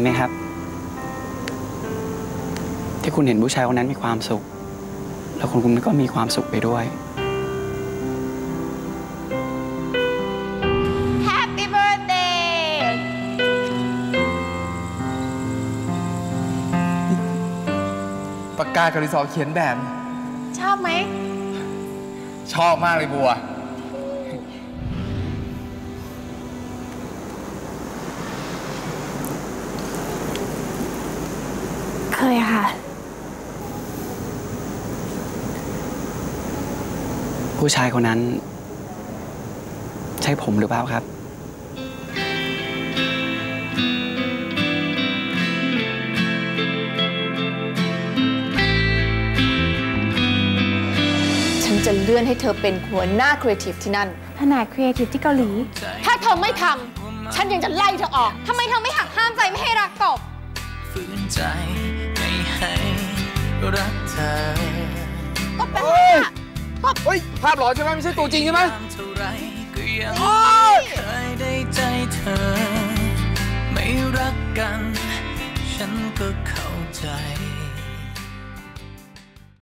ไหมครับที่คุณเห็นผู้ชายคนนั้นมีความสุขแล้วคุณก็มีความสุขไปด้วย Happy birthday ปากกากับดินสอเขียนแบบชอบไหมชอบมากเลยบัวเคยค่ะผู้ชายคนนั้นใช่ผมหรือเปล่าครับฉันจะเลื่อนให้เธอเป็นหัวหน้าครีเอทีฟที่นั่นแผนกครีเอทีฟที่เกาหลี ถ้าเธอไม่ทำฉันยังจะไล่เธอออกทำไมเธอไม่หักห้ามใจไม่ให้รักกบฝืนใจไม่ให้รักเธอกบเป็นไงอะกบเฮ้ย ภาพหลอนใช่ไหมไม่ใช่ตัวจริงใช่ไหมโอ๊ย